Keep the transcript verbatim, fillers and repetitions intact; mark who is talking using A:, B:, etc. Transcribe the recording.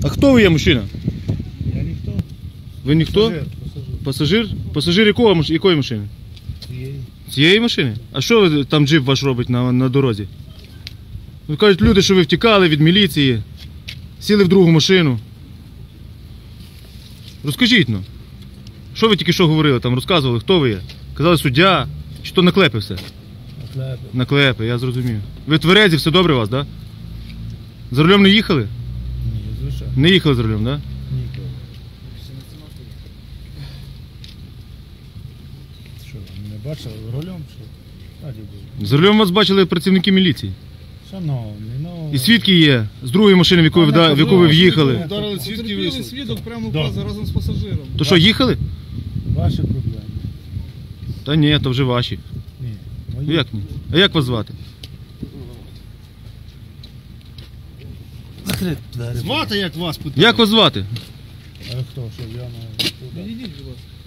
A: А хто ви є, мужчина?
B: Я ніхто.
A: Ви ніхто?
B: Пасажир.
A: Пасажир? Пасажир якого, маш- якої машини?
B: Цієї.
A: Цієї машини? А що ви там джип ваш робить на, на дорозі? Ви кажуть, люди, що ви втікали від міліції, сіли в другу машину. Розкажіть, ну. Що ви тільки що говорили, там розказували, хто ви є? Казали суддя, чи то наклепи все?
B: Наклепи.
A: Наклепи, я зрозумів. Ви тверезі, все добре у вас, так? Да? За рулем не їхали?
B: Ні, звичайно.
A: Не їхали за рулем, так? Да?
B: Ніколи. Що, ви не бачили рулем? Що? Раді був.
A: За рулем вас бачили працівники міліції.
B: Шановний, ну...
A: І свідки є з другої машини, в яку ви, вда- в яку ви в'їхали.
C: Ударили свідки і вийшли. Свідок прямо
B: Да.
C: впав разом з пасажиром.
A: То що, їхали?
B: Ваші проблеми.
A: Та ні, то вже ваші.
B: Ні.
A: Ну
B: Мої.
A: як ні? А як вас звати?
B: Закрити двері.
C: Звати як вас питали?
A: Як вас звати?
B: А хто, що я на...
C: Відійдіть, будь ласка.